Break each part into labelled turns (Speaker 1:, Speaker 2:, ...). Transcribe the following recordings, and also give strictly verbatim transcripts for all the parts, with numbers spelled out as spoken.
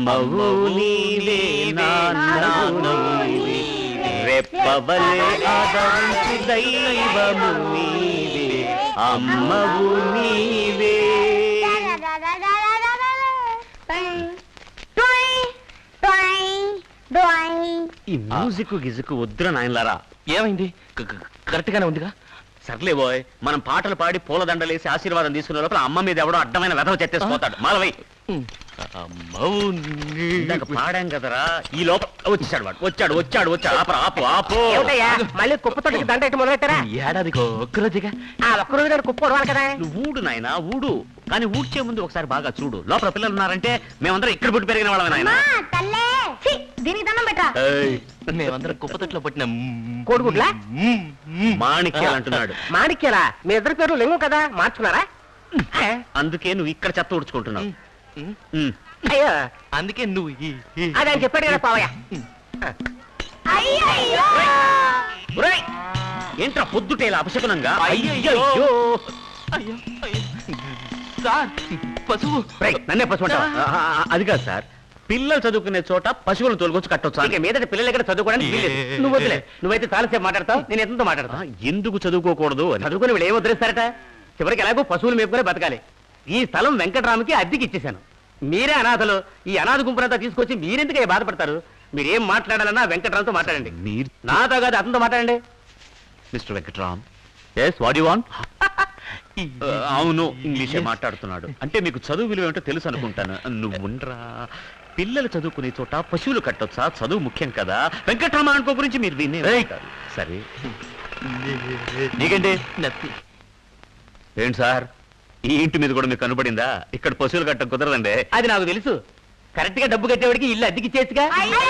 Speaker 1: అమ్మవు నీవే నాన్నవు నీవే రెప్పవలే ఆదరించు దైవము నీవే అమ్మవు నీవే. ఈ మ్యూజిక్ గిజుకు వద్దురా నాయనలారా.
Speaker 2: ఏమైంది? కరెక్ట్ గానే ఉందిగా.
Speaker 1: సర్లే బోయ్, మనం పాటలు పాడి పూలదండలేసి ఆశీర్వాదం తీసుకునే లోపల అమ్మ మీద ఎవడో అడ్డమైన వెధవ చెత్తేసిపోతాడు. మాలవై ఇందాక పాడాం కదరా, ఈ లోపల వచ్చాడు వాడు. వచ్చాడు వచ్చాడు వచ్చాడు ఆపరా ఆపు ఆపు.
Speaker 3: మళ్ళీ కుప్పతోటికి దండ ఎట్టు మొదలెట్టారా?
Speaker 2: ఏడాదికి ఒక్కరోజుగా.
Speaker 3: ఆ ఒక్కరోజు గారు కుప్ప ఉడవాలి కదా.
Speaker 1: నువ్వు ఊడు నాయన ఊడు, కానీ ఊడ్చే ముందు ఒకసారి బాగా చూడు. లోపల పిల్లలు ఉన్నారంటే మేమందరం ఇక్కడ పుట్టి పెరిగిన వాళ్ళమే నాయన.
Speaker 3: దీనికి దండం పెట్టా.
Speaker 2: మేమందరం కుప్పతొట్లో పుట్టిన
Speaker 3: కోడిగుడ్లా
Speaker 1: మాణిక్యాలు అంటున్నాడు.
Speaker 3: మాణిక్యాలా? మీ ఇద్దరు పేర్లు లింగం కదా, మార్చుకున్నారా?
Speaker 1: అందుకే నువ్వు ఇక్కడ చెత్త ఊడ్చుకుంటున్నావు.
Speaker 3: అయ్యో
Speaker 2: అందుకే నువ్వు
Speaker 3: అదే చెప్పాడు కదా పావయ్య.
Speaker 1: ఏంట్రా పొద్దుటేలా అపశకునంగా?
Speaker 2: అయ్యో సార్, పశువు
Speaker 1: నన్నే పశువు అంటావా? అది కాదు సార్, పిల్లలు చదువుకునే చోట పశువులను తోలుకొచ్చి కట్టొచ్చు.
Speaker 3: ఇక మీదట పిల్లలు ఎక్కడ చదువుకోవడానికి వీల్లేదు. నువ్వు వదిలే, నువ్వైతే చాలాసేపు మాట్లాడతావు, నేను ఎంతో మాట్లాడతా.
Speaker 1: ఎందుకు చదువుకోకూడదు?
Speaker 3: చదువుకుని వీళ్ళు ఏం వదిలేస్తారట? చివరికి ఎలాగో పశువులు మేపుకునే బతకాలి. ఈ స్థలం వెంకటరామకి అద్దెకి ఇచ్చేశాను. మీరే అనాథలు. ఈ అనాథ గుంపునంతా తీసుకొచ్చి మీరెందుకు బాధపడతారు? మీరేం మాట్లాడాలన్నా వెంకటరామ్తో మాట్లాడండి.
Speaker 1: మీరు
Speaker 3: నాతో కాదు, అతనితో మాట్లాడండి.
Speaker 1: Mister Venkatram. Yes, what you want? అవును, ఇంగ్లీషే మాట్లాడుతున్నాడు. అంటే మీకు చదువు విలువ ఏమిటో తెలుసు అనుకుంటాను. నువ్వుండ్రా, పిల్లలు చదువుకునే చోట పశువులు కట్టొచ్చా? చదువు ముఖ్యం కదా. వెంకటరామ అనుకో గురించి మీరు వినే సరే. నీకండి ఏంటి సార్, ఈ ఇంటి మీద కూడా మీకు కనబడిందా? ఇక్కడ పశువులు కట్ట కుదరదండి.
Speaker 3: అది నాకు తెలుసు. కరెక్ట్ గా డబ్బు కట్టేవాడికి ఇల్లు అద్దెకి ఇచ్చేసిగా.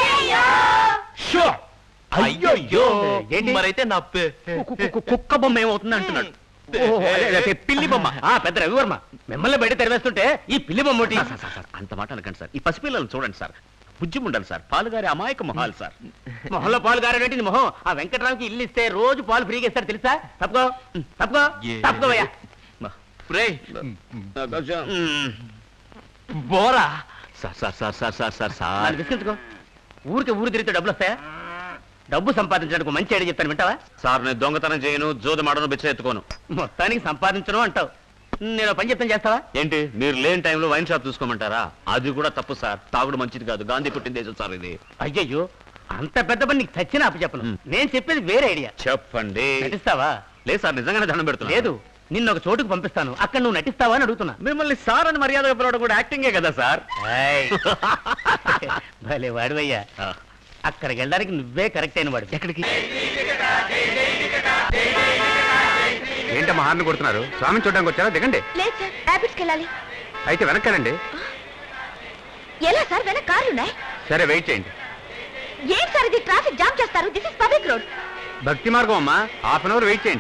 Speaker 2: అయ్యో మరైతే నా
Speaker 1: కుక్క బొమ్మ ఏమవుతుంది అంటున్నాడు.
Speaker 3: పిల్లి బొమ్మ. ఆ పెద్ద రవివర్మ మిమ్మల్ని బయట తెరవేస్తుంటే ఈ పిల్లి బొమ్మ ఒకటి.
Speaker 1: అంత మాట అనకండి సార్. ఈ పసిపిల్లలు చూడండి సార్, బుజ్జి ఉండాలి సార్. పాలుగారి అమాయక మొహాలు సార్.
Speaker 3: మొహంలో పాలు గారేటి మొహం. ఆ వెంకటరావుకి ఇల్లు ఇస్తే రోజు పాలు ఫ్రీగా ఇస్తారు తెలుసా? తప్పుకో తప్పుకో తప్పుకోవయ్యా.
Speaker 2: బోరా
Speaker 1: sir sir sir sir sir sir sir
Speaker 3: విసిగించుకో. ఊరికి ఊరు తిరిగితే డబ్బులు వస్తాయా? డబ్బు సంపాదించడానికి మంచి ఐడియా చెప్తాను, వింటావా?
Speaker 1: సార్, నేను దొంగతనం చేయను, జోదమాడను, బిచ్చ ఎత్తుకోను.
Speaker 3: మొత్తానికి సంపాదించను అంటావు. నేను పని చెప్తాను, చేస్తావా?
Speaker 1: ఏంటి, మీరు లేని టైంలో వైన్ షాప్ చూసుకోమంటారా? అది కూడా తప్పు సార్. తాగుడు మంచిది కాదు. గాంధీ పుట్టిన దేశం సార్ ఇది.
Speaker 3: అయ్యయ్యో, అంత పెద్ద పని నీకు చచ్చిన అప్పు చెప్పను. నేను చెప్పేది వేరే ఐడియా.
Speaker 1: చెప్పండి.
Speaker 3: నటిస్తావా?
Speaker 1: లేదు సార్, నిజంగానే దండం పెడుతున్నా.
Speaker 3: లేదు, నిన్న ఒక చోటుకు పంపిస్తాను, అక్కడ నువ్వు నటిస్తావా అని అడుగుతున్నా.
Speaker 1: మిమ్మల్ని సార్ అని మర్యాదగా పిలవడం కూడా యాక్టింగే కదా సార్.
Speaker 3: భలే వాడివయ్యా. అక్కడికి వెళ్ళడానికి నువ్వే కరెక్ట్ అయిన వాడు.
Speaker 1: ఎక్కడికి?
Speaker 4: ఏంటమ్మా హార్న్ కొడుతున్నారు? స్వామిని చూడడానికి వచ్చారా? దిగండి.
Speaker 5: లేదు సార్, ర్యాపిడ్స్కి వెళ్ళాలి.
Speaker 4: అయితే వెనక్కానండి.
Speaker 5: ఎలా సార్, వెనక కార్లు ఉన్నాయి.
Speaker 4: సరే, వెయిట్ చేయండి.
Speaker 5: ఏం సార్ ఇది? ట్రాఫిక్ జామ్ చేస్తారు. This is public road.
Speaker 4: భక్తి మార్గం అమ్మా. హాఫ్ అన్ అవర్ వెయిట్ చేయండి.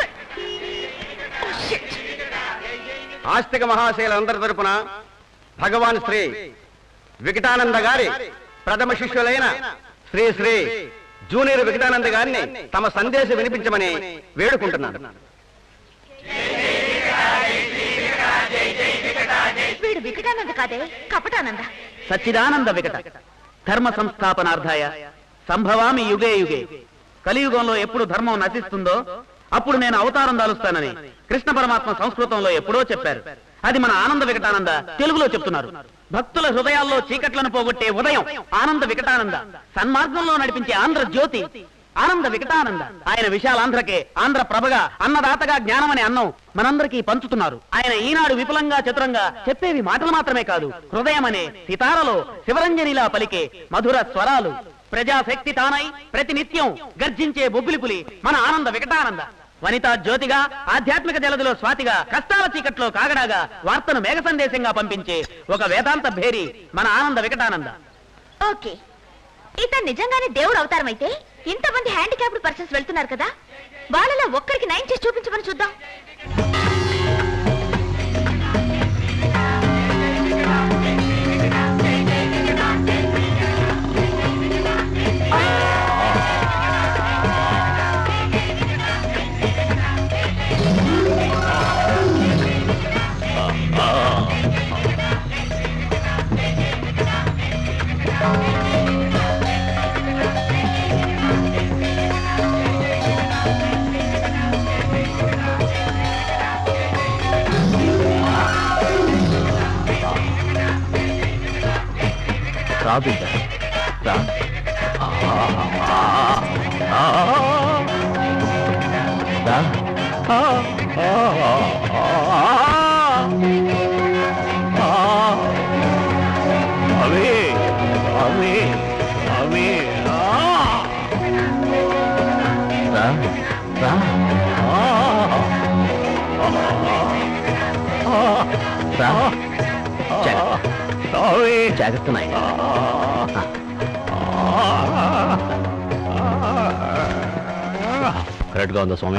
Speaker 4: ఆస్తిక మహాశైలందరి తరపున భగవాన్ శ్రీ వికటానంద గారి ప్రథమ శిష్యులైన శ్రీ శ్రీ జూనియర్ వికటానంద గారిని తమ సందేశం వినిపించమని వేడుకుంటున్నాను.
Speaker 5: వీడు వికటానంద కాదే, కపటానంద.
Speaker 3: సచ్చిదానంద వికట ధర్మ సంస్థాపనార్థాయ సంభవామి యుగే యుగే. కలియుగంలో ఎప్పుడు ధర్మం నశిస్తుందో అప్పుడు నేను అవతారం దాలుస్తానని కృష్ణ పరమాత్మ సంస్కృతంలో ఎప్పుడో చెప్పారు. అది మన ఆనంద వికటానంద తెలుగులో చెప్తున్నారు. భక్తుల హృదయాల్లో చీకట్లను పోగొట్టే ఉదయం ఆనంద వికటానంద. సన్మార్గంలో నడిపించే ఆంధ్ర జ్యోతి ఆనంద వికటానంద. ఆయన విశాలాంధ్రకే ఆంధ్ర ప్రభగా, అన్నదాతగా జ్ఞానమనే అన్నం మనందరికీ పంచుతున్నారు. ఆయన ఈనాడు విపులంగా చతురంగా చెప్పేవి మాటలు మాత్రమే కాదు, హృదయం అనే సితారలో శివరంజనిలా పలికే మధుర స్వరాలు. ప్రజాశక్తి తానై ప్రతినిత్యం గర్జించే బొబ్బిలిపులి మన ఆనంద వికటానంద. వనితా జ్యోతిగా, ఆధ్యాత్మిక జలదిలో స్వాతిగా, కష్టాల చీకట్లో కాగడాగా, వార్తను మేఘ సందేశంగా పంపించే ఒక వేదాంత భేరి మన ఆనంద వికటానంద.
Speaker 5: ఓకే, ఇతను నిజంగానే దేవుడు అవతారం అయితే ఇంతమంది హ్యాండిక్యాప్డ్ పర్సన్స్ వెళ్తున్నారు కదా, వాళ్ళలో ఒక్కరికి నయం చేసి చూపించమని చూద్దాం.
Speaker 1: రా బిడ్డ రా రా అవే అవే అవే రా రా రా జాగ్రత్త నాయన కరెక్ట్గా ఉందా స్వామి